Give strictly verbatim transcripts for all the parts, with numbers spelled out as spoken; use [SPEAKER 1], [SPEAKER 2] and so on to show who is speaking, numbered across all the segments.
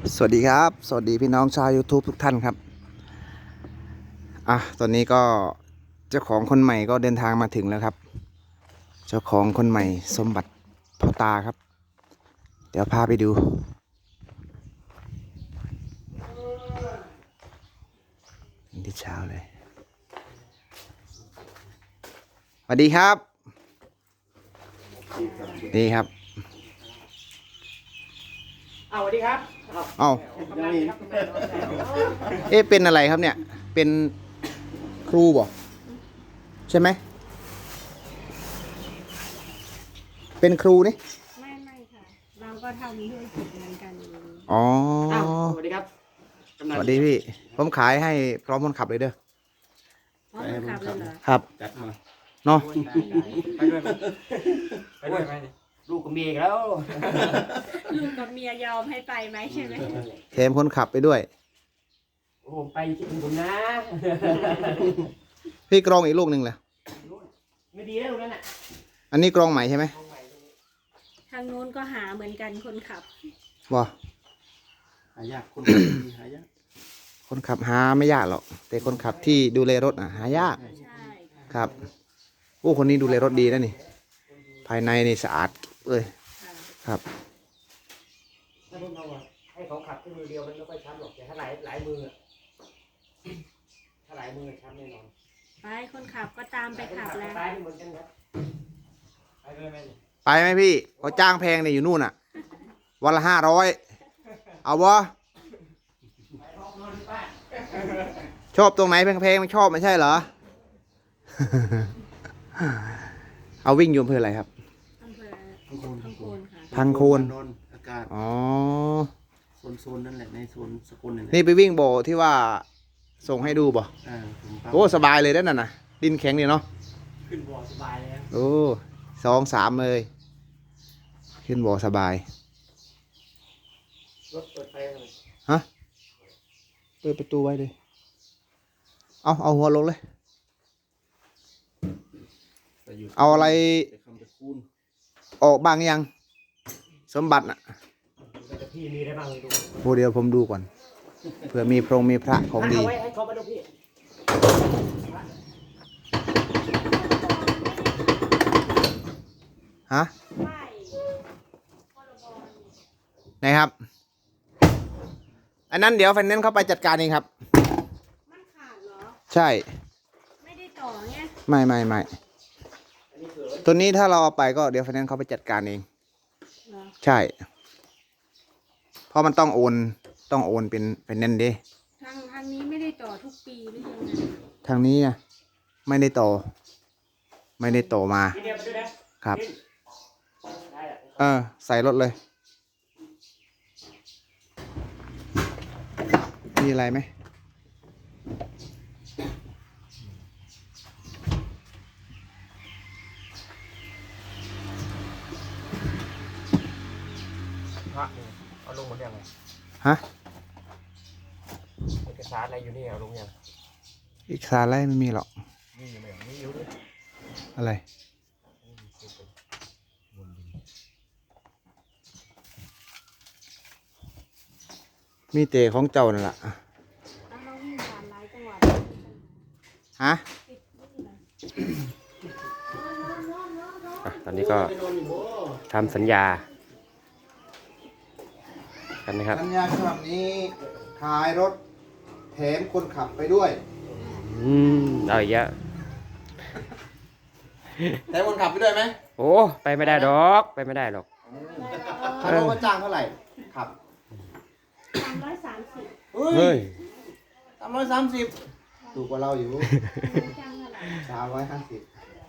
[SPEAKER 1] สวัสดีครับสวัสดีพี่น้องชาว YouTube ทุกท่านครับอ่ะตอนนี้ก็เจ้าของคนใหม่ก็เดินทางมาถึงแล้วครับ เจ้าของคนใหม่สมบัติพ่อตาครับ เดี๋ยวพาไปดูที่เช้าเลยสวัสดีครับนี่ครับ
[SPEAKER 2] เอาสวัสดีครับ
[SPEAKER 1] เอ้า
[SPEAKER 2] ทำงานดีครับ
[SPEAKER 1] เอ๊ะเป็นอะไรครับเนี่ย เป็นครูบ่ใช่ไหม เป็นครูนี่
[SPEAKER 3] ไม่ไม่ค่ะ เราก็ทำธุรกิจเหมือนกัน
[SPEAKER 1] อ๋อ
[SPEAKER 2] อ้าวสวัสดีครับ
[SPEAKER 1] สวัสดีพี่ ผมขายให้พร้อมคนขับเลยเด้อ
[SPEAKER 3] อ๋อมันขับเลยเหรอ
[SPEAKER 1] ครับ
[SPEAKER 2] จัดมา
[SPEAKER 1] เนาะ
[SPEAKER 2] ไปด้วยไหมไปด้วยไหมลูกกับเมียอีกแล้ว
[SPEAKER 3] ลูกกับเมียยอมให้ไปไหมใช่ไหม
[SPEAKER 1] แถมคนขับไปด้วย
[SPEAKER 2] โอ้ไปคิดถึงผมนะ
[SPEAKER 1] พี่กรองอีกลูกหนึ่งเลย
[SPEAKER 2] ไม่ดีแล้วตรงนั้นอ่ะ
[SPEAKER 1] อันนี้กรองใหม่ใช่ไหม
[SPEAKER 3] ทางนู้นก็หาเหมือนกันคนขับ
[SPEAKER 1] ว้า
[SPEAKER 2] หายากคนดีหายาก
[SPEAKER 1] คนขับหาไม่ยากหรอก แต่คนขับที่ดูแลรถอ่ะหายาก
[SPEAKER 3] ใช่
[SPEAKER 1] ครับโอ้คนนี้ดูแลรถดีนะนี่ ภายในนี่สะอาดเลย
[SPEAKER 3] ค่ะ
[SPEAKER 1] ครับ
[SPEAKER 2] ถ้าผมเอาอะให้เขาขับแค่มือเดียวมันไม่ค่อยช้ำหรอกแต่ถ้าหลายหลายมืออะถ้าหลายมือช้ำแน่นอน
[SPEAKER 3] ไปคนขับก็ตามไปขับแล้ว
[SPEAKER 2] ตายเหมือนกันครับไปด้วยไหม
[SPEAKER 1] ไปไหมพี่เขาจ้างแพงเนี่ยอยู่นู่นอ่ะ วันละห้าร้อยเอาวะชอบตรงไหนแพงๆไม่ชอบไม่ใช่เหรอ เอาวิ่งอยู่อำเภออะไรครับ
[SPEAKER 3] อำเภอพังโคนค่ะ
[SPEAKER 1] พังโคน
[SPEAKER 4] นนอากาศ
[SPEAKER 1] อ๋อ
[SPEAKER 4] โซนโซนนั่นแหละในโซนสกุลนั่นแหละ
[SPEAKER 1] นี่ไปวิ่งโบที่ว่าส่งให้ดูบ่
[SPEAKER 4] อ่าผมปั๊ม
[SPEAKER 1] โอ้สบายเลยด้านนั้นน่ะ ดินแข็งดีเนาะ
[SPEAKER 2] ขึ้นบ่อสบายเลยครับ
[SPEAKER 1] โอ้สองสามเลย ขึ้นบ่สบาย
[SPEAKER 2] รถเปิดไฟเลย
[SPEAKER 1] ฮะ เปิดประตูไว้เลย เอาเอาหัวลงเลย
[SPEAKER 4] แต่ยู่
[SPEAKER 1] เอาอะไร
[SPEAKER 4] แต่คำตะคูณ
[SPEAKER 1] ออกบ้างยัง สมบัติน่ะ
[SPEAKER 2] แต่พี่มีได้บ้างดู
[SPEAKER 1] โอ้เดี๋ยวผมดูก่อน เผื่อมีพรงมีพระของดี
[SPEAKER 2] เอาไว้ให้เขามาดูพี่
[SPEAKER 1] ฮะ
[SPEAKER 3] ไม่พรบ
[SPEAKER 1] ไหนครับ อันนั้นเดี๋ยวไฟแนนซ์เข้าไปจัดการเองครับ
[SPEAKER 3] มันขาดเหรอ
[SPEAKER 1] ใช่
[SPEAKER 3] ไม่ได้ต่อไง
[SPEAKER 1] ไม่ไม่ไม่ตัวนี้ถ้าเราเอาไปก็เดี๋ยวไฟแนนซ์เขาไปจัดการเอง
[SPEAKER 3] เหรอ
[SPEAKER 1] ใช่ เพราะมันต้องโอน ต้องโอนเป็นไฟแนนซ์ดิ
[SPEAKER 3] ทางทางนี้ไม่ได้ต่อทุกปีหรือยังไง
[SPEAKER 1] ทางนี้นะไม่ได้ต่อ ไม่ได้ต่อมา
[SPEAKER 2] พี่เดียวไปด้วยนะครับ ได้แหละ
[SPEAKER 1] เออ ใส่รถเลย มีอะไรไหม
[SPEAKER 2] พระนี่เอาลงหมดยังไง
[SPEAKER 1] ฮะ
[SPEAKER 2] เอกสารอะไรอยู่นี่เอาลงยัง
[SPEAKER 1] อีกสารอะไรไม่มีหรอก
[SPEAKER 2] นี่อยู่ไหมนี่อยู่ด้วย
[SPEAKER 1] อะไร มีเตะของเจ้านั่นแหละ
[SPEAKER 3] แล้วเราวิ่งผ่านหลายจังหวัด
[SPEAKER 1] ฮะ
[SPEAKER 2] ตอนนี้ก็ทำสัญญากันนะครับ
[SPEAKER 1] สัญญาฉบับนี้ขายรถแถมคนขับไปด้วย
[SPEAKER 2] อืมเอาอีกแล้ว
[SPEAKER 1] แถมคนขับไปด้วยไหม
[SPEAKER 2] โอ้ไปไม่ได้ดอกไปไม่ได้หรอก
[SPEAKER 1] ถ้าเราก็จ้างเท่าไหร่ ขับ
[SPEAKER 3] สามร้อยสามสิบ
[SPEAKER 2] เฮ้ย
[SPEAKER 1] สามร้อยสามสิบถูกกว่าเราอยู่
[SPEAKER 3] จ้างเท่าไหร่
[SPEAKER 1] สามร้อยห้าสิบ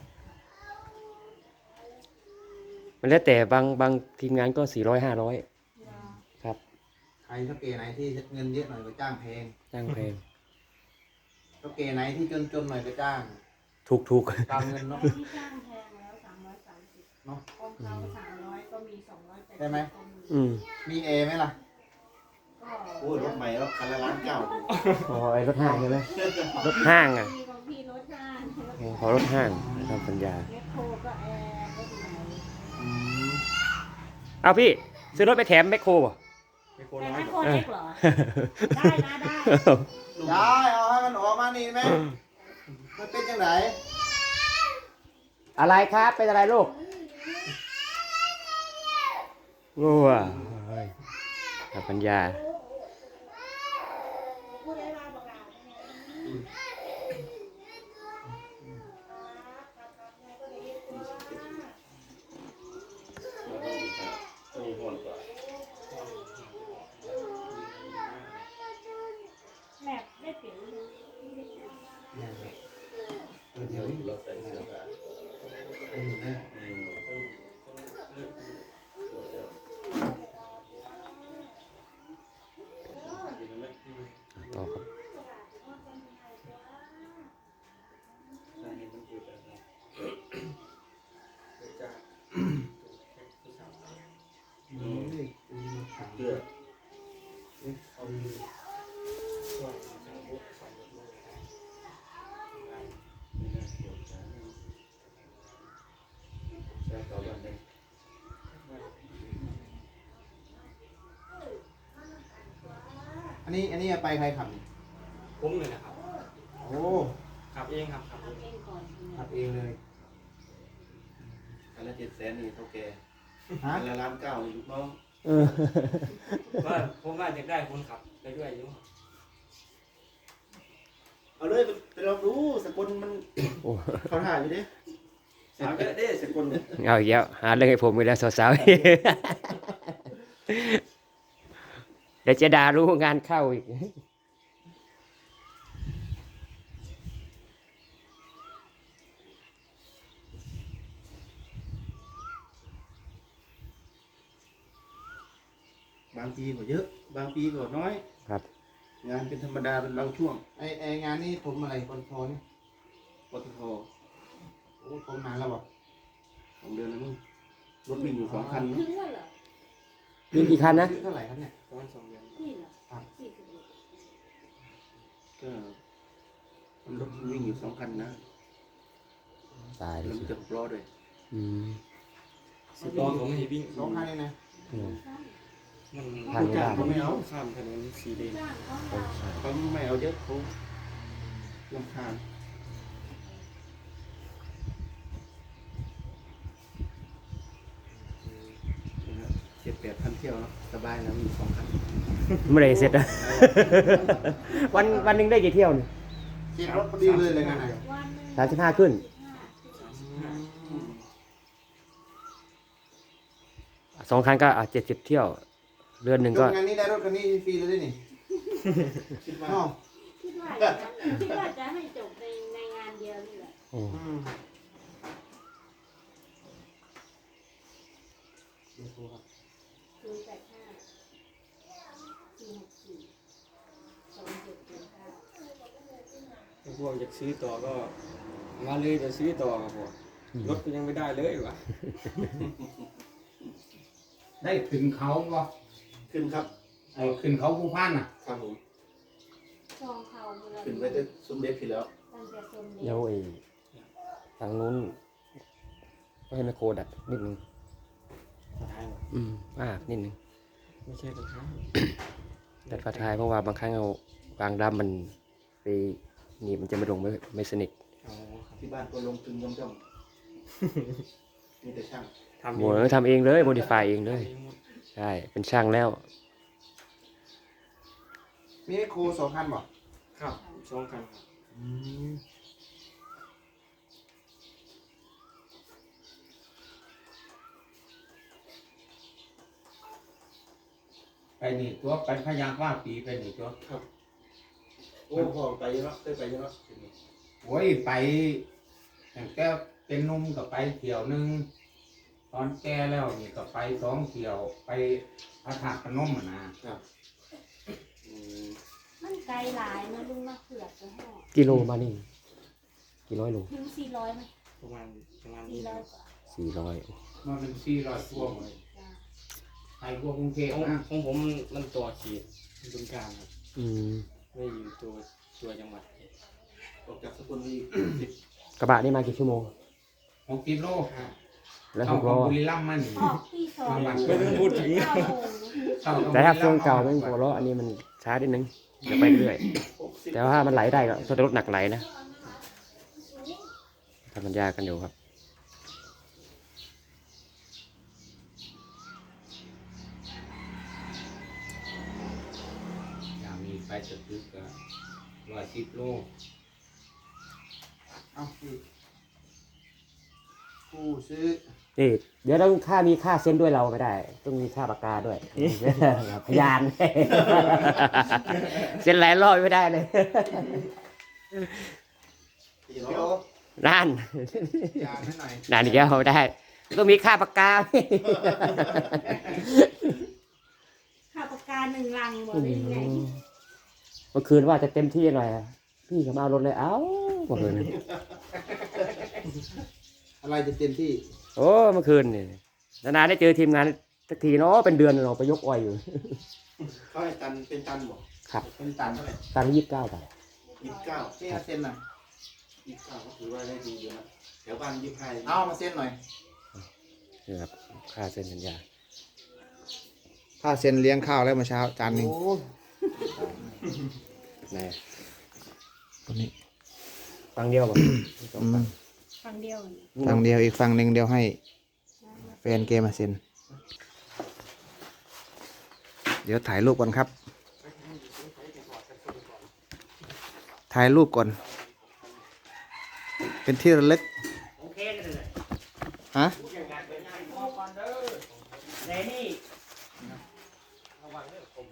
[SPEAKER 2] มันแล้วแต่บางบางทีมงานก็สี่ร้อยห้าร้อยครับ
[SPEAKER 1] ใครเท่าเกไหนที่เงินเยอะหน่อยก็จ้างแพง
[SPEAKER 2] จ้างเพลง
[SPEAKER 1] เท่าเกไหนที่จนจนๆหน่อยก็จ้าง
[SPEAKER 2] ถูกถูก
[SPEAKER 1] ตามเงินเนาะ
[SPEAKER 3] ที่จ้างแพงแล้วสามร้อยสามสิบ
[SPEAKER 1] เนาะ
[SPEAKER 3] ของเขาสามร้อยก็มีสองร้อยแปดสิบ
[SPEAKER 1] ได้ไหม
[SPEAKER 3] ก็มี
[SPEAKER 2] อืม
[SPEAKER 1] มีเอไหมล่ะ
[SPEAKER 3] ก็
[SPEAKER 4] โอ้ยรถใหม่แล้วคันละล้านเก้า
[SPEAKER 2] อ๋อไอ้รถห้างใช่ไหมรถห้างอ่ะ
[SPEAKER 3] มีของพี่รถห้าง
[SPEAKER 2] ขอรถห้างทำสัญญา
[SPEAKER 3] แมคโครก็แอร์รถไหน
[SPEAKER 1] อืม
[SPEAKER 2] เอาพี่ซื้อรถไปแถมแมคโครบ่
[SPEAKER 3] ใ
[SPEAKER 2] ไม่โค
[SPEAKER 3] แต่
[SPEAKER 2] น้อย
[SPEAKER 3] ไม่
[SPEAKER 2] ก
[SPEAKER 3] โค
[SPEAKER 2] ว่า
[SPEAKER 3] เล็กเหรอ ได้นะได้
[SPEAKER 1] ได้เอาให้มันออกมานี่ไหมมันเป็นยังไง
[SPEAKER 2] อะไรครับเป็นอะไรลูกงัวกับปัญญา
[SPEAKER 3] แม่ได้เปลี่ยน
[SPEAKER 4] เดี๋ยวเราใส่เสื้อผ้า
[SPEAKER 2] ต่อครับ
[SPEAKER 4] เสื้อ ใช่ต่อบ้านได้
[SPEAKER 1] อันนี้อันนี้เอาไปใครขับนี่
[SPEAKER 2] ผมเลยนะครับ
[SPEAKER 1] โอ้
[SPEAKER 2] ขับเองครับขับเอง
[SPEAKER 3] เองก่อน
[SPEAKER 1] ขับเองเลย
[SPEAKER 4] อันละเจ็ดแสนนี่เท่าแก
[SPEAKER 1] ฮะ
[SPEAKER 4] อันละล้านเก้านี่ลูกน้อง
[SPEAKER 2] ว่าผมว่าอยากได้คนขับไปด้วยอยู่
[SPEAKER 4] เอาเลยไปไปลองดูสกุลมัน
[SPEAKER 2] โอ้
[SPEAKER 4] เขาถ่ายอยู่ดิสาวเยอะเด้สกุลเนี่ย
[SPEAKER 2] เอาอีกแล้วหาเรื่องให้ผมอีกแล้วสาวๆ เดี๋ยวจะด่ารู้งานเข้าอีก
[SPEAKER 4] บางปีก็เยอะ บางปีก็น้อย
[SPEAKER 2] ครับ
[SPEAKER 4] งานเป็นธรรมดาเป็นบางช่วง
[SPEAKER 1] ไอไองานนี้ผมอะไรปตทนี่
[SPEAKER 4] ปตท
[SPEAKER 1] โอ้ผมนานแล้วบอก
[SPEAKER 4] สองเดือนแล้วมั้งรถวิ่งอยู่สองคัน
[SPEAKER 3] ถึ
[SPEAKER 4] เนาะ
[SPEAKER 3] งว่าเหรอ
[SPEAKER 2] มีกี่คันนะ
[SPEAKER 1] ซื้อเท่าไหร่ครับเนี่ย
[SPEAKER 2] ประมาณสองเดือน
[SPEAKER 3] นี่เหรอสี่สิบเอ็ด
[SPEAKER 4] ก็มันรถวิ่งอยู่สองคันนะ
[SPEAKER 2] ตายเล
[SPEAKER 4] แล้
[SPEAKER 2] ยว
[SPEAKER 4] มันจะหกล้อด้วย
[SPEAKER 2] อืม
[SPEAKER 5] สิบล้อผมให้วิ่ง
[SPEAKER 1] สองคันนี่นะ
[SPEAKER 2] อืม
[SPEAKER 5] มัน
[SPEAKER 2] ทางไม่ได้
[SPEAKER 4] เขาไม่เอา
[SPEAKER 5] ข้ามถนนสีแดง
[SPEAKER 3] จ้างเขา
[SPEAKER 4] เขาไม่เอาเยอะเขาลำคาญเจ็ดแปดพันเที่ยวเนาะสบายแล้วมีสองคัน
[SPEAKER 2] เมื่อไหรเสร็จอะ วันวันหนึ่งได้กี่เที่ยวเนี่ย
[SPEAKER 1] เก็บรถพอดีเลยเลยงานไหน
[SPEAKER 3] วันหนึ่ง
[SPEAKER 2] สามสิบห้าขึ้น สองคันก็อ่ะเจ็ดสิบเที่ยว เดือนหนึ่ง
[SPEAKER 1] ย
[SPEAKER 2] ก็
[SPEAKER 1] กงานนี้ได้รถคันนี้ฟรีเลยด้วยนี่
[SPEAKER 4] คิดว่า
[SPEAKER 1] อ๋อ
[SPEAKER 3] คิดว่าอย่างนั้นคิดว่าจะให้จบในในงานเดียวนี่แหละ
[SPEAKER 2] อืม
[SPEAKER 1] อืมเดี๋ยวโทรครับ
[SPEAKER 3] ศูนย์แปดห้าสี่หกสี่สองเจ็ดเจ็ดเก้า
[SPEAKER 5] ถ้าพวกอยากซื้อต่อก็มาเลยเดี๋ยวซื้อต่อครับผมรถก็ยังไม่ได้เลยว่ะ
[SPEAKER 6] ได้ขึ้นเขาบ่
[SPEAKER 4] ขึ้นครับ
[SPEAKER 6] ไอ้ขึ้นเขาผู้พันน่ะ
[SPEAKER 4] ครับผม
[SPEAKER 3] ซองเขาเมื่อ
[SPEAKER 4] ขึ้นไปได้สมเด็จผิดแล้ว
[SPEAKER 3] ตั้งแต่สมเด็จ
[SPEAKER 2] เดี๋ยวไอ้ทางนู้นก็ให้ไมโครดัดนิดนึง
[SPEAKER 5] สุดท้ายว่ะ
[SPEAKER 2] อืมมากนิดนึง
[SPEAKER 5] ไม่ใช่สุดท้าย
[SPEAKER 2] ดัดฝาท้ายเพราะว่าบางครั้งเอาวางดัมมันไปหนีบมันจะไม่ลงไม่ไม่สนิท
[SPEAKER 5] อ๋อครับ
[SPEAKER 4] ที่บ้านก็ลงทุนย่อมย่อมๆมีแต่ช่าง
[SPEAKER 5] ทำ
[SPEAKER 2] โหทำเองเลยโมดิฟายเองเลย
[SPEAKER 5] ทำหมด
[SPEAKER 2] ใช่ เป็นช่างแล้ว
[SPEAKER 1] มีไมโครสองคันบอก
[SPEAKER 5] ครับสองคันครับ
[SPEAKER 1] อืม
[SPEAKER 6] ไปนี่ตัวไปพยางว่าปีไปนี่ตัว
[SPEAKER 4] โอ้พ่อไปเยอะเคยไปเยอะ
[SPEAKER 6] โอ้ยไปตั้งแต่เป็นหนุ่มก็ไปเที่ยวหนึงตอนแก่แล้วนี่ก็ไปสองเที่ยวไปพระธาตุพนมอ่ะนะ
[SPEAKER 4] อืม
[SPEAKER 3] มันไกลหลายนะลุงมาเผือกจะห่อ
[SPEAKER 2] กิโลมานี่กี่ร้อยโล
[SPEAKER 3] ถึงสี่ร้อยไหม
[SPEAKER 5] ประมาณประมาณ
[SPEAKER 3] สี่
[SPEAKER 5] นี้
[SPEAKER 3] ร้อย
[SPEAKER 5] นะ
[SPEAKER 3] กว่า
[SPEAKER 2] สี่ร้อย
[SPEAKER 6] มันเป็นสี่ร้อยพวกเลย
[SPEAKER 3] จ้ะ
[SPEAKER 6] ไปพวกกรุงเทพ
[SPEAKER 5] ของ
[SPEAKER 6] นะ
[SPEAKER 5] ของผมมันต่อเขีดบึงการครับ
[SPEAKER 2] อืม
[SPEAKER 5] ไม่อยู่ตัวตัวจังหวัด
[SPEAKER 4] ออกจากสกุลวีสิบ
[SPEAKER 2] กระบะนี่มากี่ชั่วโมง
[SPEAKER 6] หกกิโล
[SPEAKER 5] ห้า
[SPEAKER 2] แล้ว
[SPEAKER 6] เอา
[SPEAKER 2] หก
[SPEAKER 6] ขอ
[SPEAKER 2] ล้
[SPEAKER 6] ง
[SPEAKER 2] อ
[SPEAKER 6] บุรีรัมย์มานี่
[SPEAKER 3] ออกที่สอง
[SPEAKER 6] ไม่
[SPEAKER 5] ต้องพูดถึง
[SPEAKER 3] เก้าโมง
[SPEAKER 6] เข้า
[SPEAKER 2] แต่ถ้าเครื่องเก่าแม่งหัวเราะอันนี้มันช้านิดนึงจะไปเรื่อยแต่ว่ามันไหลได้ก็ถ้ารถหนักไหลนะทำมันยากกันอยู่ครับ
[SPEAKER 6] อย่ามีไปสตึกก็ร้อยสิบโล
[SPEAKER 1] เอาพี่ผู้ซื้อ
[SPEAKER 2] นี่เดี๋ยวต้องค่ามีค่าเซ็นด้วยเราไม่ได้ ต้องมีค่าปากกาด้วย พยาน เซ็นหลายรอบไม่ได้เลย
[SPEAKER 1] เดี๋ยว
[SPEAKER 2] นั่น
[SPEAKER 1] ยานให้หน่อย
[SPEAKER 2] นั่นอีกแล้วไม่ได้ต้องมีค่าปากกา
[SPEAKER 3] ค่าปากกาหนึ่งลังบอกได้ยังไง
[SPEAKER 2] เมื่อคืนว่าจะเต็มที่หน่อยอะพี่เขามาเอารถเลยเอ้าเมื่อคืน
[SPEAKER 1] อะไรจะเต็มที่
[SPEAKER 2] โอ้เมื่อคืนนี่นานๆได้เจอทีมงานสักทีเนาะเป็นเดือนเราไปยกอ้อยอยู่
[SPEAKER 4] เขาให้ตันเป็นตันบอก
[SPEAKER 2] ครับ
[SPEAKER 4] เป็นตันเท่าไหร่
[SPEAKER 2] ตังยี่สิบเก้าบาท
[SPEAKER 4] ยี่สิบเก้า
[SPEAKER 1] พี่มาเซ็นหน่อย
[SPEAKER 4] ยี่สิบเก้าก็ถือว่าได้ดีอยู่นะแถวบ้านยี่สิบห้า
[SPEAKER 1] เอามาเซ็นหน่อย
[SPEAKER 2] นี่ครับค่าเซ็นสัญญา
[SPEAKER 1] ถ้าเซ็นเลี้ยงข้าวแล้วเมื่อเช้าจานหนึ่ง
[SPEAKER 2] ไหน
[SPEAKER 1] ตัวนี้
[SPEAKER 2] ฟังเดียวป่ะ
[SPEAKER 1] อืม
[SPEAKER 3] ฟังเดียว
[SPEAKER 1] ฝั่งเดียวอีกฝั่งหนึ่งเดียวให้แฟนเกมมาเซ็น เดี๋ยวถ่ายรูปก่อนครับ ถ่ายรูปก่อน เป็นที่ระลึก
[SPEAKER 2] โอเคเลย
[SPEAKER 1] ฮะ
[SPEAKER 2] อย่างการเป็นงานพอก่อนเด้อในนี่ระวังเรื่องผม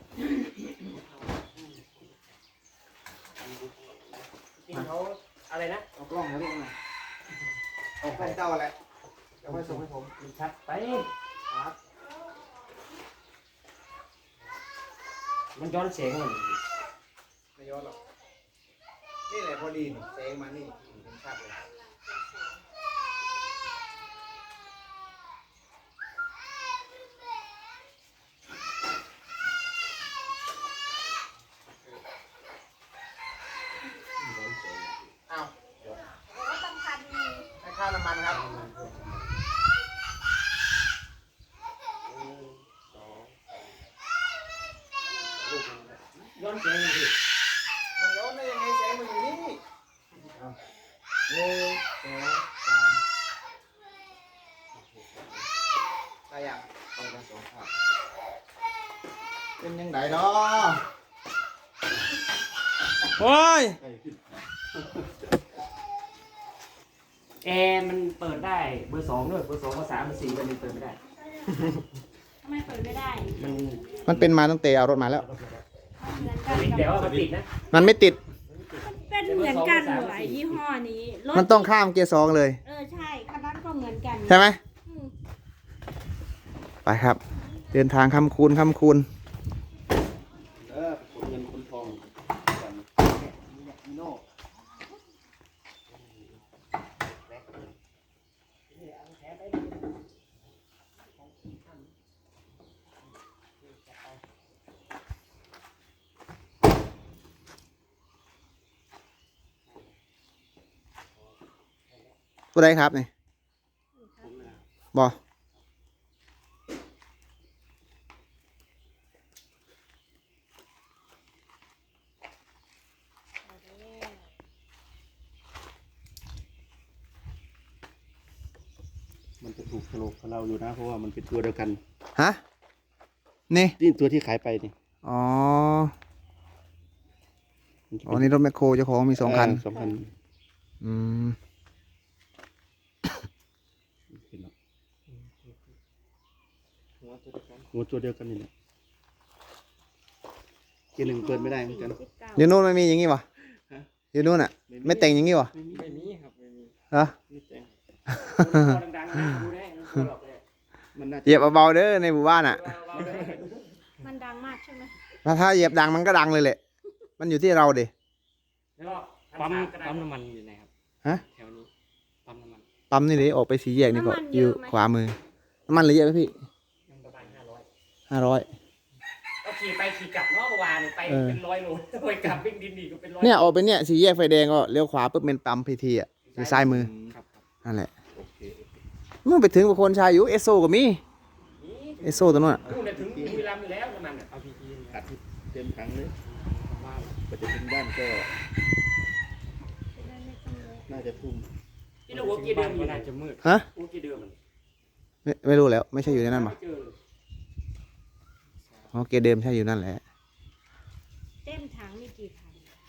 [SPEAKER 2] จริงเขาอะไรนะ
[SPEAKER 1] เอากล้องมาดิมาเอากล้องเจ้าแหละจะไปส่งให้ผม
[SPEAKER 2] มันชัดไป
[SPEAKER 1] ครับ
[SPEAKER 2] มันย้อนเสียงมัน
[SPEAKER 1] ไม่ย้อนหรอก นี่แหละพอดีนี่แสงมานี่เห็นชัดเลยเอาให้ค่าน้ำมันครับ
[SPEAKER 2] ย้อนเสียงมันสิ
[SPEAKER 1] มันย้อนได้ยังไงแสงมันอยู่นี่เอาหนึ่งสองสามใครอ่ะเอาไปสองภาพเป็นยังไงเนาะโอ้ย
[SPEAKER 2] แอร์มันเปิดได้เบอร์สองด้วยเบอร์สองเบอร์สามเบอร์สี่เบอร์หนึ่งเปิดไม่ได้
[SPEAKER 3] ทำไมเปิดไม่ได้
[SPEAKER 2] มัน
[SPEAKER 1] มันเป็นมาตั้งแต่เอารถมาแล้ว
[SPEAKER 3] เหมือนกัน
[SPEAKER 2] แต่ว่ามันติดนะ
[SPEAKER 1] มันไม่ติด
[SPEAKER 3] เป็นเหมือนกันเหรอยี่ห้อนี้รถ
[SPEAKER 1] มันต้องข้ามเกียร์สองเลย
[SPEAKER 3] เออใช่คันนั้นก็เหมือนกัน
[SPEAKER 1] ใช่ไหม
[SPEAKER 3] อืม
[SPEAKER 1] ไปครับ เดินทางคำคูณคำคูณ
[SPEAKER 4] เออขนเงินขนทองกันโน่
[SPEAKER 1] ผู้ใดครับนี่บอ
[SPEAKER 4] มันจะถูกโฉลกกับเราอยู่นะเพราะว่ามันเป็นตัวเดียวกัน
[SPEAKER 1] ฮะ นี่
[SPEAKER 4] นี่ตัวที่ขายไปนี่
[SPEAKER 1] อ๋อ
[SPEAKER 4] มันจะ
[SPEAKER 1] อ๋อ
[SPEAKER 4] เป็น
[SPEAKER 1] นี่รถแมคโครเจ้าของมีสองคัน
[SPEAKER 4] เสองคัน
[SPEAKER 1] อืม
[SPEAKER 4] เห็นแล้ว
[SPEAKER 5] หัวตัวเดียวกัน
[SPEAKER 4] หัวตัวเดียวกันนี่แหละเกียร์หนึ่งเปิดไม่ได้เหมือนกัน
[SPEAKER 1] อยู่นู่นไม่มีอย่างงี้วะ
[SPEAKER 4] ฮะ
[SPEAKER 1] อยู่นู่นอ่ะ ไม่แต่งอย่างงี้วะ
[SPEAKER 4] ไม่มี
[SPEAKER 5] ไม่มีครับไม่มี
[SPEAKER 1] เหรอ
[SPEAKER 4] ไม่แต่ง
[SPEAKER 2] ดังๆนะดูได้ไม่หรอกเลย
[SPEAKER 4] มันน่าจะ
[SPEAKER 1] เหยียบเบาๆเด้อในหมู่บ้านอ่ะ
[SPEAKER 3] มันดังมากใช่ไหม
[SPEAKER 1] ถ้าถ้าเหยียบดังมันก็ดังเลยแหละ มันอยู่ที่เราดิ
[SPEAKER 2] แล้วก็
[SPEAKER 5] ปั๊ม
[SPEAKER 2] ปั๊
[SPEAKER 5] ปั๊
[SPEAKER 2] ม
[SPEAKER 5] มน้ำมันอยู่ไหนครับ
[SPEAKER 1] ฮะ
[SPEAKER 5] แถวนี้ปั๊มน้ำมัน
[SPEAKER 1] ปั๊มนี่ดิออกไปสีแยกนี่ก็อยู่ขวามือ น้ำมันเหลือเยอะไหมพี่
[SPEAKER 2] ประมาณห้าร้อย
[SPEAKER 1] ห้าร้อย
[SPEAKER 2] ก็ขี่ไปขี่กลับเนาะเมื่อวานไป
[SPEAKER 1] เออ
[SPEAKER 2] เป็นร้อยโลไปกลับวิ่งดินอีกก็เป็นร้อย
[SPEAKER 1] เนี่ยออกไปเนี่ยสีแยกไฟแดงก็เลี้ยวขวาปุ๊บเป็นปั๊มพีทีอ่ะอยู่ซ้ายมือ
[SPEAKER 4] ครับครับ
[SPEAKER 1] นั่นแหละ
[SPEAKER 4] โอเค
[SPEAKER 1] เมื่อไปถึงบุคคลชายอยู่เอสโซก็มี
[SPEAKER 2] นี่
[SPEAKER 1] ไอโซ่ตัวนู้นอะ
[SPEAKER 2] นู่นน่ะถึงบุรีรัมย์อยู่แล้วน้ำมันอ่ะ
[SPEAKER 5] เอาพีจี
[SPEAKER 4] อัดเต็มถังเลย
[SPEAKER 5] บ้าน
[SPEAKER 4] กว่าจะถึงบ้านก็
[SPEAKER 3] จะได้ไม่ต้องเลย
[SPEAKER 4] น่าจะทุ่ม
[SPEAKER 2] ที่เราหัวเกียร์เดิมอยู่
[SPEAKER 5] น่า
[SPEAKER 2] นะ
[SPEAKER 5] จะมืด
[SPEAKER 1] ฮะ
[SPEAKER 2] หัวเกียร์เดิมมัน
[SPEAKER 1] ไม่ไม่รู้แล้วไม่ใช่อยู่ในนั้นหรอ
[SPEAKER 2] ไม่เจอเลย
[SPEAKER 1] อ๋อเกเดิมใช่อยู่นั่นแหละ
[SPEAKER 3] เต็มถังมีกี่พัน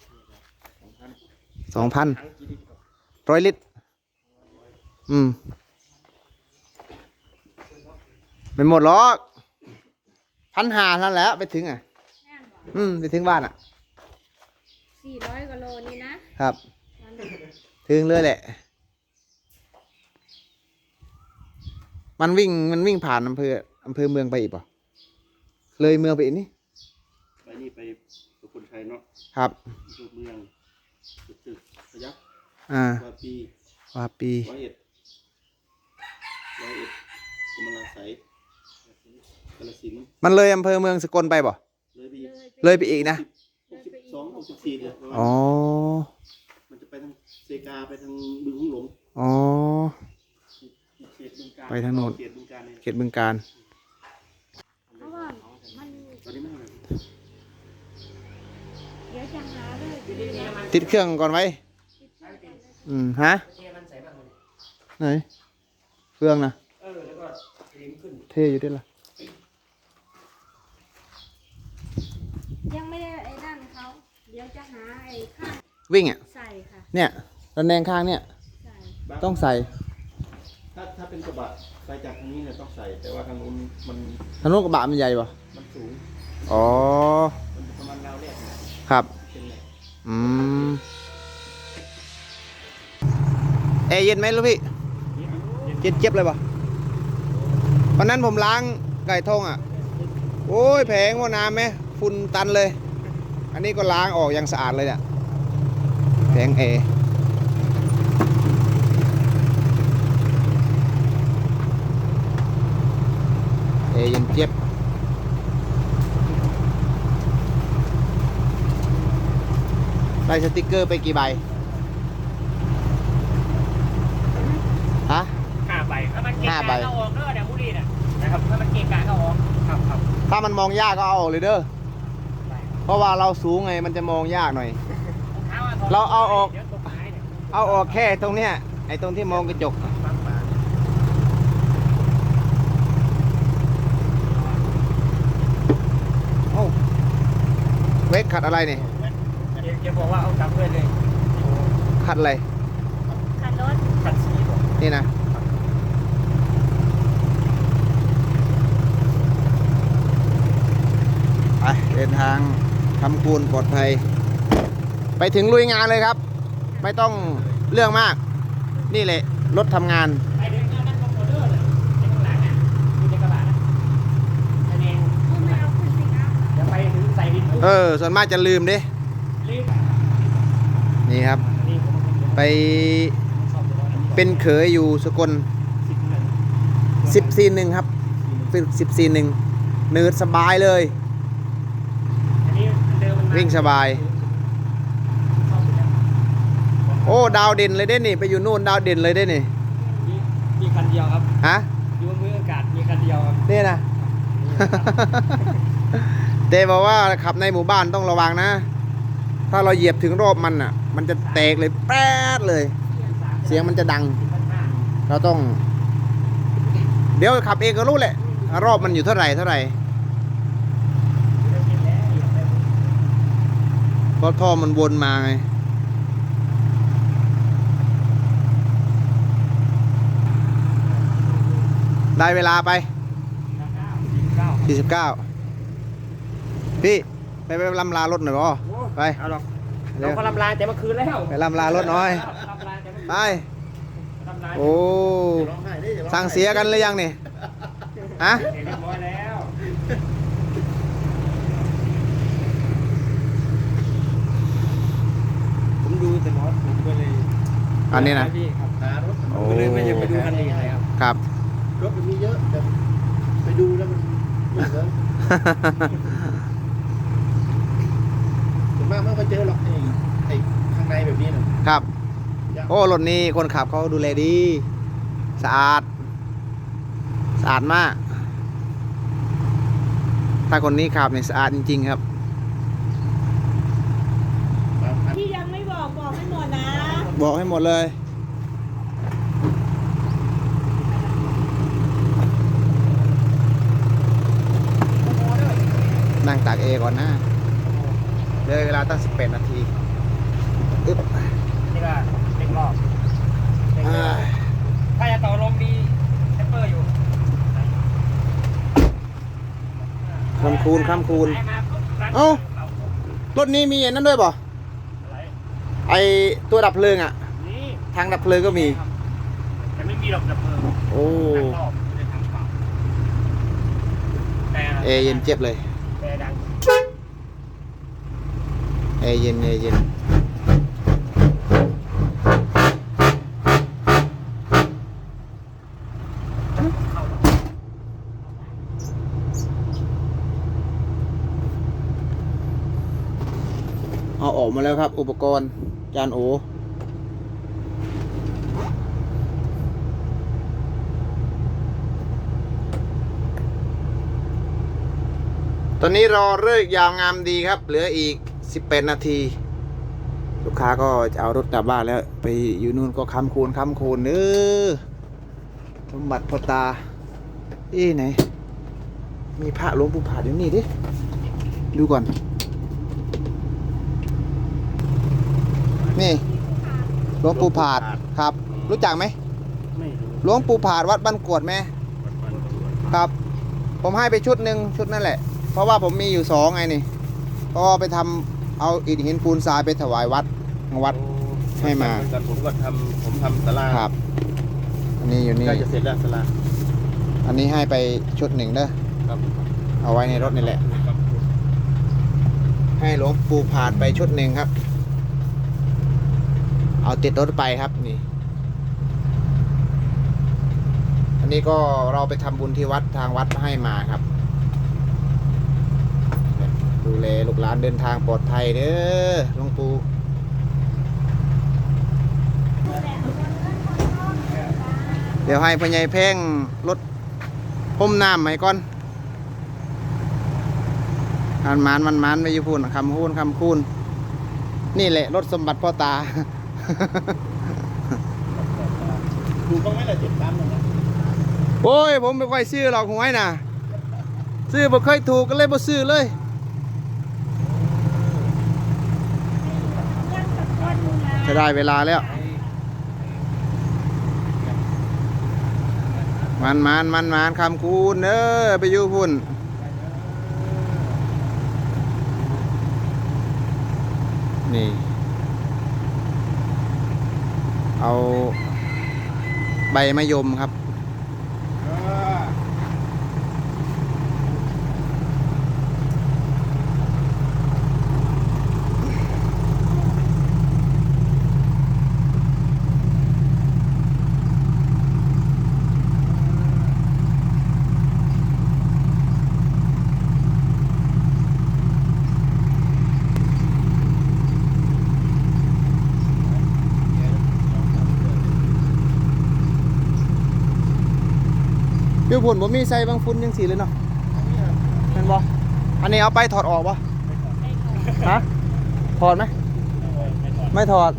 [SPEAKER 1] สองพัน
[SPEAKER 2] ถังกี่ลิตร
[SPEAKER 1] ร้อยลิตร อืมไม่หมดหรอกพันหาท่านแหล้วไปถึงอ่ะ
[SPEAKER 3] แน่นบอก
[SPEAKER 1] อืมไปถึงบ้านอ่ะ
[SPEAKER 3] สี่ร้อยกว่าโลนี่นะครับ วันหนึ่ง
[SPEAKER 1] ถึงเลยแหละ มันวิ่งมันวิ่งผ่านอำเภออำเภอเมืองไปอีกป่ะเลยเมืองไปอีกนี่
[SPEAKER 4] ไปนี่ไปสุโขทัยเนาะ
[SPEAKER 1] ครับ
[SPEAKER 4] ตัวเมืองตึกตึกพยัคฆ์
[SPEAKER 1] อ่าว
[SPEAKER 4] าปี
[SPEAKER 1] วาปี
[SPEAKER 4] ร้อยเอ็ดร้อยเอ็ดกำมะลาไสยกาฬสินธุ์
[SPEAKER 1] มันเลยอำเภอเมืองสกลไปป่ะ
[SPEAKER 4] เลยไปอีก
[SPEAKER 1] เลยไปอีกนะ
[SPEAKER 4] หกสิบสองหกสิบสี่เดือนประมาณ
[SPEAKER 1] อ๋อ
[SPEAKER 4] มันจะไปทางเซกาไปทางบึงหุ่งหลง
[SPEAKER 1] อ๋อ
[SPEAKER 4] เขตบึงกาฬ
[SPEAKER 1] ไปทางโน้น
[SPEAKER 4] เขตบึงกาฬเนี่ย
[SPEAKER 1] เขตบึงการ
[SPEAKER 3] เพราะว่ามัน
[SPEAKER 4] ตอนนี้ไม่เท่าไหร่
[SPEAKER 3] เดี๋ยวจะหาเลย
[SPEAKER 2] ทีนี้นี่มัน
[SPEAKER 1] ติดเครื่องก่อนไว้
[SPEAKER 3] ติดเครื่องก่อนเลย
[SPEAKER 1] อืมฮะ
[SPEAKER 2] เทมันใส่บ้างมัน
[SPEAKER 1] ไหนเครื่องนะ
[SPEAKER 2] เออแล้วก็ลิ้มขึ้น
[SPEAKER 1] เท่อยู่ด้วยล่ะ
[SPEAKER 3] ยังไม่ได้ไอ้นั่นเขาเดี๋ยวจะหาไอ้ข้าง
[SPEAKER 1] วิ่งอ่ะ
[SPEAKER 3] ใส่ค่ะ
[SPEAKER 1] เนี่ยระแนงข้างเนี่ย
[SPEAKER 3] ใส่
[SPEAKER 4] บาง
[SPEAKER 1] ต้องใส่
[SPEAKER 4] ถ้าถ้าเป็นกระบะไปจากทางนี้เนี่ยต้องใส่ แต่ว่าทางนู้นมัน
[SPEAKER 1] ถนนกระบะมันใหญ่ป่ะ
[SPEAKER 4] มันสูง
[SPEAKER 1] อ๋อ
[SPEAKER 4] มันประมาณราวแรกเนี่ย
[SPEAKER 1] ครับ
[SPEAKER 4] เป็นไง
[SPEAKER 1] อืมแอร์เย็นไหมลูกพี่เย็นเจี๊ยบเลยป่ะวันนั้นผมล้างไก่ทงอ่ะ โอ้ยแผงว่าน้ำไหมฝุ่นตันเลย อันนี้ก็ล้างออกอย่างสะอาดเลยเนี่ยแผงแอร์แอร์เย็นเจี๊ยบได้สติกเกอร์ไปกี่ใบฮะ
[SPEAKER 2] ห้าใบถ้ามันเกะ
[SPEAKER 1] ห้าก
[SPEAKER 2] ะ
[SPEAKER 1] ใบ
[SPEAKER 2] ก็ออกเด้อเนี่ยบุรีน่ะนะครับถ้ามันเกะกะก็ออกครับครับ
[SPEAKER 1] ถ้ามันมองยากก็เอาออกเลยเด้อ เพราะว่าเราสูงไงมันจะมองยากหน่อย เราเอาออก
[SPEAKER 2] เดี๋ยวตกท้ายเนี่ย
[SPEAKER 1] เอาออกแค่ตรงเนี้ย ไอ้ตรงที่มองกระจก
[SPEAKER 2] ฟังปาก
[SPEAKER 1] โอ้เวกขัดอะไรเนี่ย
[SPEAKER 2] เดี๋ยวเดี๋ยวบอกว่าเอากลับเพื่อนเลย
[SPEAKER 1] ขัดอะไร
[SPEAKER 3] คันรถ
[SPEAKER 2] ขัดสีบอก
[SPEAKER 1] นี่นะ ไปเดินทางทำคูนปลอดภัย ไปถึงลุยงานเลยครับ ไม่ต้องเรื่องมาก นี่แหละรถทำงาน
[SPEAKER 2] ไอเด็กนั่นก็โมเดอร์เลยในข้างหลังอ่ะอยู่ในกระบะนะคะแนน
[SPEAKER 3] ก็ไม่เอาขึ้นสิครับ
[SPEAKER 2] เดี๋ยวไปถึงใส่ดินปุ๊บ
[SPEAKER 1] เออ ส่วนมากจะลืมดิ
[SPEAKER 2] รีบ
[SPEAKER 1] นี่ครับ
[SPEAKER 2] นี่ผม
[SPEAKER 1] ไป
[SPEAKER 2] ชอบตัวนั้น
[SPEAKER 1] เป็นเขยอยู่สกล
[SPEAKER 2] สิบหนึ่ง
[SPEAKER 1] สิบสี่หนึ่งครับสิบสี่หนึ่งเนิร์ดสบายเลย
[SPEAKER 2] อันนี้เดิมมันมา
[SPEAKER 1] วิ่งสบาย
[SPEAKER 2] ชอบตัวนั้น
[SPEAKER 1] โอ้ดาวเด่นเลยเด้นี่ไปอยู่นู่นดาวเด่นเลยเด้นี่
[SPEAKER 5] มีมีคันเดียวครับ
[SPEAKER 1] ฮะ
[SPEAKER 5] อยู่บนมืออากาศมีคันเดียวครับ
[SPEAKER 1] นี่นะ เต้บอกว่าขับในหมู่บ้านต้องระวังนะ ถ้าเราเหยียบถึงรอบมันอ่ะ มันจะแตกเลยแป๊ดเลย เสียงมันจะดัง
[SPEAKER 2] พันห้า
[SPEAKER 1] เราต้อง เดี๋ยวขับเองก็รู้แหละ รอบมันอยู่เท่าไหร่เท่าไหร่
[SPEAKER 2] เดิมกินแล้วเหยียบไป
[SPEAKER 1] เพราะท่อมันวนมาไง ได้เวลาไป
[SPEAKER 2] เก้า
[SPEAKER 1] สี่สิบเก้าพี่ไปไปลำลารถหน่อยบ่ไป
[SPEAKER 2] เอาหรอก
[SPEAKER 1] เร็
[SPEAKER 2] เรา
[SPEAKER 1] ว
[SPEAKER 2] ก็ลำลายแต่เมื่อคืนแล้ว
[SPEAKER 1] ไปลำลารถหน่อย
[SPEAKER 2] ลำลายแต่เมื่อคืน
[SPEAKER 1] ไป
[SPEAKER 2] ลำลาย
[SPEAKER 1] โอ้
[SPEAKER 4] ร้องไห้ได้อย่าร้องไห้
[SPEAKER 1] สั่งเสียกันหรือยังนี่ฮะ
[SPEAKER 2] เรียบร้อยแล้ว
[SPEAKER 5] ผมดูแต่รถผมก็เลย
[SPEAKER 1] อันนี้นะ
[SPEAKER 5] พี่ครับ
[SPEAKER 4] หารถ
[SPEAKER 1] โอ้
[SPEAKER 5] ผมก็เลยไม่อยากไปดูคันอื่นเลยครับ
[SPEAKER 1] ครับ
[SPEAKER 4] รถมันมีเยอะแต่ไปดูแล้วมันไม่เหมือนส่วนมากไม่ค่อยเจอหรอกไอ้ไอ้ข้างในแบบนี้น่ะ
[SPEAKER 1] ครับ โอ้รถนี้คนขับเขาดูแลดี สะอาด สะอาดมากถ้าคนนี้ขับเนี่ยสะอาดจริงๆครับ
[SPEAKER 3] ที่ยังไม่บอกบอกให้หมดนะ
[SPEAKER 1] บอกให้หมดเลย นั่งตากเอก่อนนะเลยเวลาตั้งสิบแปดนาทีอึ๊บ
[SPEAKER 2] นี่ก็เล็กรอบเล็กร
[SPEAKER 1] อ่า
[SPEAKER 2] อบถ้าจะต่อลมมีแทปเปอร์อยู่
[SPEAKER 1] คำคูณคำคูณ
[SPEAKER 2] ไปมาปุ๊บรัน
[SPEAKER 1] เอ้า รถนี้มีอันนั้นด้วยป่ะ
[SPEAKER 2] อะไร
[SPEAKER 1] ไอตัวดับเพลิงอ่ะ
[SPEAKER 2] นี่
[SPEAKER 1] ทางดับเพลิงก็มี
[SPEAKER 2] แต่ไม่มีหรอกดับเพลิง
[SPEAKER 1] โอ้
[SPEAKER 2] ทางรอบไม่ได้ทางเปล่าแต่
[SPEAKER 1] เอเย็นเจ็บเลย
[SPEAKER 2] แต่ดัง
[SPEAKER 1] เอเย็นเอเย็นเอาออกมาแล้วครับ อุปกรณ์จานโอ ตอนนี้รอเลิกยาวงามดีครับ เหลืออีกสิบแปดนาที ลูกค้าก็จะเอารถกลับบ้านแล้ว ไปอยู่นู่นก็ค้ำคูณค้ำคูณเออสมบัติพ่อตาเอ้ไหน มีพระหลวงปู่ผาดอยู่นี่ดิ ดูก่อน นี่หลวงปู่ผาดครับ รู้จักไหม
[SPEAKER 4] ไม่รู้
[SPEAKER 1] หลวงปู่ผาดวัดบ้านกวดไหมครับ ผมให้ไปชุดหนึ่งชุดนั่นแหละ เพราะว่าผมมีอยู่สองไงนี่เพราะว่าไปทำเอาอิฐหินปูนทรายไปถวายวัดทางวัด ให้มา
[SPEAKER 4] เหอนกันผมก็ทำผมทำศาลา
[SPEAKER 1] ครับ อันนี้อยู่นี่
[SPEAKER 4] ใกล้จะเสร็จแล้วศาลา
[SPEAKER 1] อันนี้ให้ไปชุดหนึ่งเด้อ
[SPEAKER 4] ครับ
[SPEAKER 1] เอาไว้ในรถนี่แหละ ให้หลวงปู่ผาดไปชุดหนึ่งครับ เอาติดรถไปครับนี่ อันนี้ก็เราไปทำบุญที่วัดทางวัดให้มาครับ ดูแลลูกหลานเดินทางปลอดภัยเด้อหลวงปู่เดี๋ยวให้พ่อใหญ่เพ่งรถพ่มน้ำใหม่ก่อนมันมันมันมันไปอยู่พูนคำคูนคำคูนนี่แหละรถสมบัติพ่อตา
[SPEAKER 4] ถูกบ้างไหมล่ะเจ็ดสามหนึ่งนะ
[SPEAKER 1] โอ้ยผมไม่ค่อยซื้อหรอกหวยน่ะ ซื้อบ่เคยถูกก็เลยบ่ซื้อเลย
[SPEAKER 3] ยังสักคนนึงนะ
[SPEAKER 1] จะได้เวลาแล้ว มันมันมันมันคำคูณเด้อไปอยู่พุ่นนี่ เอาใบมะยมครับ อยู่พุ่นผมมีใส่บางฟุ้นยังสีเลยเนาะเห็นบ่อันนี้เอาไปถอดออกบ่ฮะถอดไหมไม่ถอด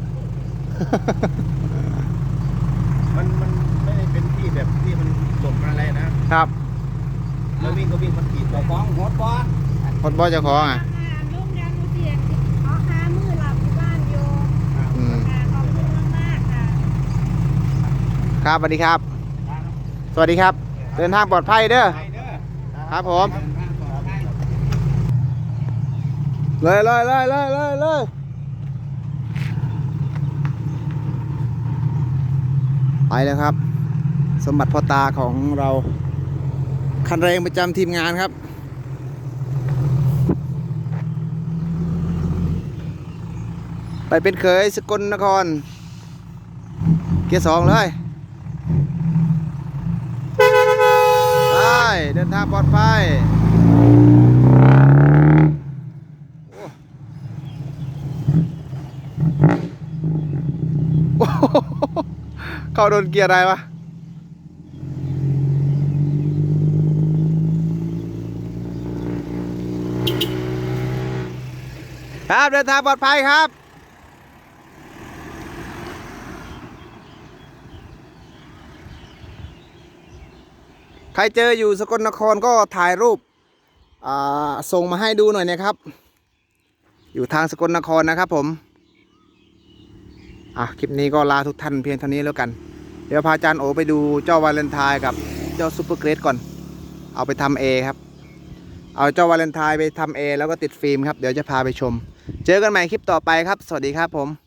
[SPEAKER 4] มันมันไม่ได้เป็นที่แบบที่มันหลบอะไรนะครับ แล้ววิ่งก็วิ่งมันขีด
[SPEAKER 2] เจ้าของโหดบอส
[SPEAKER 1] พอดบ่เจ้าของอ่ะ
[SPEAKER 3] ลุงยังเสียงเอาหามือหลับที่บ้านอยู่
[SPEAKER 1] อืม
[SPEAKER 3] ค่ะขอบคุณมากๆค่ะ
[SPEAKER 1] ครับสวัสดีครับ สวัสดีครับ เดินทางปลอดภัยเด้อ
[SPEAKER 2] ไปเด้อ
[SPEAKER 1] ครับผมเลยเลยเลยเลยเลยเลยไปแล้วครับ สมบัติพ่อตาของเราคันแรงประจำทีมงานครับ ไปเป็นเขยสกลนคร เกียร์สองเลยไปเดินทางปลอดภัยโอ้โหเข้าโดนเกียร์อะไรวะครับเดินทางปลอดภัยครับใครเจออยู่สกลนครก็ถ่ายรูปอ่าส่งมาให้ดูหน่อยนะครับอยู่ทางสกลนครนะครับผมอ่ะคลิปนี้ก็ลาทุกท่านเพียงเท่านี้แล้วกันเดี๋ยวพาอาจารย์โอไปดูเจ้าวาเลนไทน์กับเจ้าซูเปอร์เกรดก่อนเอาไปทำเอครับเอาเจ้าวาเลนไทน์ไปทำเอแล้วก็ติดฟิล์มครับเดี๋ยวจะพาไปชมเจอกันใหม่คลิปต่อไปครับสวัสดีครับผม